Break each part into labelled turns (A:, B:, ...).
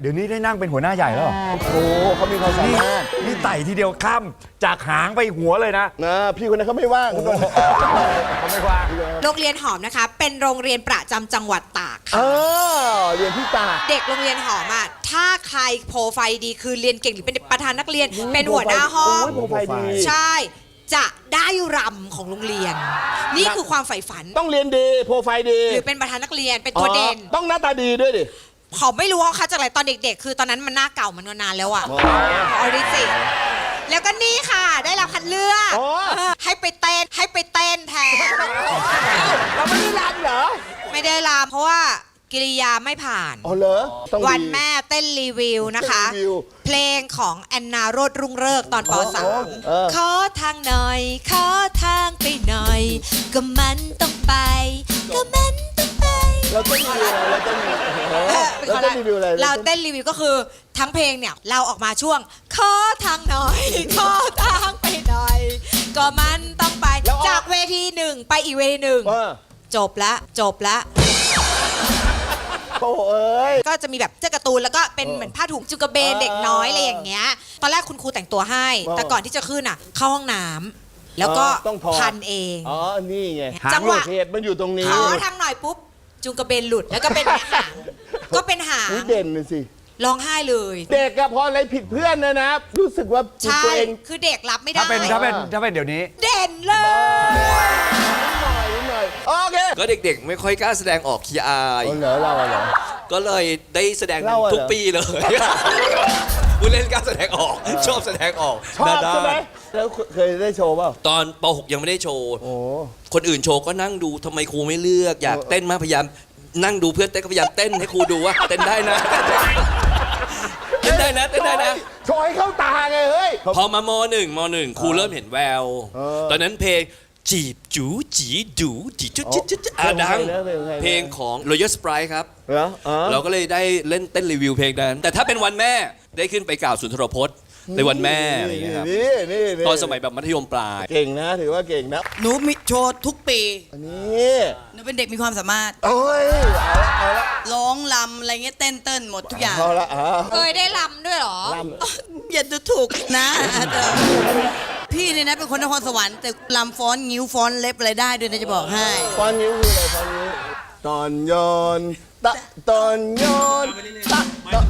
A: ดี๋ยวนี้ได้นั่งเป็นหัวหน้าใหญ่แล้วเหรอ
B: โอ้เขามีความสามารถ
A: นี่ไต่ทีเดียวข้ามจากหางไปหัวเลยนะ
B: พี่คนนั้นเขาไม่ว่างเขา
A: เขาไม่ว่าง
C: โรงเรียนหอมนะคะ เป็นโรงเรียนประจำจังหวัดตากค่ะ
B: เรียนที่ตาก
C: เด็กโรงเรียนหอมอ่ะถ้าใครโปรไฟล์ดีคือเรียนเก่งหรือเป็นประธานนักเรียน เป็นหัวหน้าห้อง
B: โปรไฟล์ดี
C: ใช่ จะได้รำของโรงเรียน นี่คือความใฝ่ฝัน
B: ต้องเรียนดีโปรไฟล์ดี
C: หรือเป็นประธานนักเรียนเป็นตัวเด่น
B: ต้องหน้าตาดีด้วยดิ
C: เขาไม่รู้ว่าเขาจากอะไรตอนเด็กๆ คือตอนนั้นมันหน้าเก่ามันนานแล้วอะออริจิแล้วก็นี่ค่ะ ได้รับคัดเลือกให้ไปเต้นแทน
B: เราไม่ได้รำเหรอ
C: ไม่ได้รำเพราะว่ากิริยาไม่ผ่าน
B: อ๋อเหรอต้องดี
C: วันแม่เต้นรีวิวนะคะ
B: เต้นรีวิว
C: เพลงของแอนนาโรดรุ่งเริกษ์ตอนป
B: เออ
C: .3 ขอทางหน่อย ขอทางไปหน่อย ก็มันต้องไป ก็มันต้องไป
B: เราเต้นรีวิวอะไรเราเต้นรีวิวเราเต้นรีวิวอะไร
C: เราเต้นรีวิวก็คือทั้งเพลงเนี่ยเราออกมาช่วง ขอทางหน่อย ขอทางไปหน่อย ก็มันต้องไป จากเวทีหนึ่งไปอีกเวทีหนึ่งจบละ
B: โอ้เอ้ย
C: ก็จะมีแบบเสื้อการ์ตูนแล้วก็เป็นเหมือนผ้าถุงจุกระเบนเด็กน้อยอะไรอย่างเงี้ย ตอนแรกคุณครูแต่งตัวให้ แต่ก่อนที่จะขึ้นอ่ะ เข้าห้องน้ำแล้วก็
B: ต้องถอด
C: พันเอง
B: อ๋อนี่ไง
C: จังหวะ
B: เหตุมันอยู่ตรงนี้
C: ขอทางหน่อยปุ๊บจุงกระเบนหลุดแล้วก็เป็นหางก็เป็นหาง
B: นี่เด่นเลยสิ
C: ร้องไห้เลย
B: เด็กอะพออะไรผิดเพื่อนนะ รู้สึกว่า
C: ใช่
B: ตัวเอง
C: คือเด็กรับไม่ได้
A: ถ้าเป็นเดี๋ยวนี้
C: เด่นเลย
B: นิดหน่อยโอเค
D: ก็เด็กๆ ไม่ค่อยกล้าแสดงออกขี้อาย
B: เหรอเราเหรอ
D: ก็เลยได้แสดง
B: เราอะเหรอ
D: ทุกปีเลย ผู้เล่นกล้าแสดงออก ชอบแสดงออก
B: ชอบ
D: หน้า
B: ใช่ไหม
D: ด้าน
B: แล้วเคยได้โชว์เปล่า
D: ตอนป .6 ยังไม่ได้โชว์
B: โอ้
D: คนอื่นโชว์ก็นั่งดูทำไมครูไม่เลือก อยากเต้นมากพยายามนั่งดูเพื่อนเต้นก็พยายามเต้นให้ครูดูว่าเต้นได้นะ เต้นได้นะเต้นได้นะ
B: โชว์ให้เข้าตาไงเฮ้ย
D: พอมามหนึ่งครูเริ่มเห็นแวว ตอนนั้นเพลงจีบจูจีดูจีจุดจุดจุดดัง เพลงของ Royal Sprite ครับ
B: เหรอ
D: เราก็เลยได้เล่นเต้นรีวิวเพลงนั้น แต่ถ้าเป็นวันแม่ได้ขึ้นไปกล่าวสุนทรพจน์ในวันแม่อะไรอย่างเงี้ยครับ
B: นี่
D: ตอนสมัยแบบมัธยมปลาย
B: เก่งนะถือว่าเก่งนะ
E: หนูมีโชว์ทุกปี
B: อันนี้
E: หนูเป็นเด็กมีความสามารถ
B: โอ้ยเอาละ
E: ร้องลำอะไรเงี้ยเต้นเต้นหมดทุกอย่าง
B: เอาละ
C: เคยได้รำด้วยเหรอ
E: อย่าดูถูกนะพี่เนี่ยนะเป็นคนนครสวรรค์แต่ลำฟ้อนงิ้วฟ้อนเล็บอะไรได้ด้วยนะจะบอกให้
B: ฟอนนิ้วคืออะไรฟอนนิ้วตอนโยนตะตอนโยนตะตะ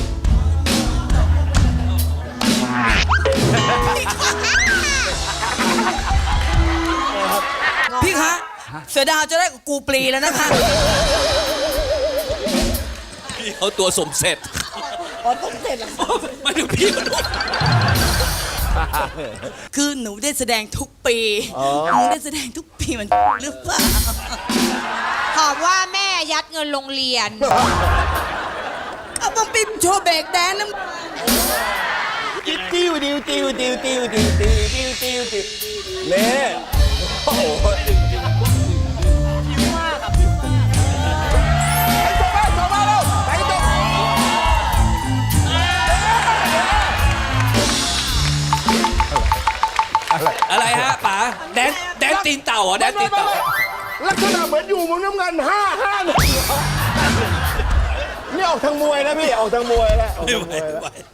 E: พี่คะเสือดาวจะได้กับกูปลีแล้วนะคะ
D: พี่เขาตัวสมเสร็จไม่ถึงพี่มัน
E: คือหนูได้แสดงทุกปีหนูได้แสดงทุกปีมันหรือเปล่า
C: หอมว่าแม่ยัดเงินโรงเรียน
E: เอาบังปิมโชว์เบรกแดนน้
B: ติ้วติ้วติ้วติ้วติ้วติ้วติ้วติ้วติ้วติ้วเน่โอ้โห
D: อะไรฮะป๋าแดนตีนเต่าเหรอแดนตีนเต่า
B: ลักษณะเหมือนอยู่มุมน้ำเงิน5 เนี่ยนี่ออกทางมวยนะพี่ออกทางมวยแล้วออกทางมวยแล้ว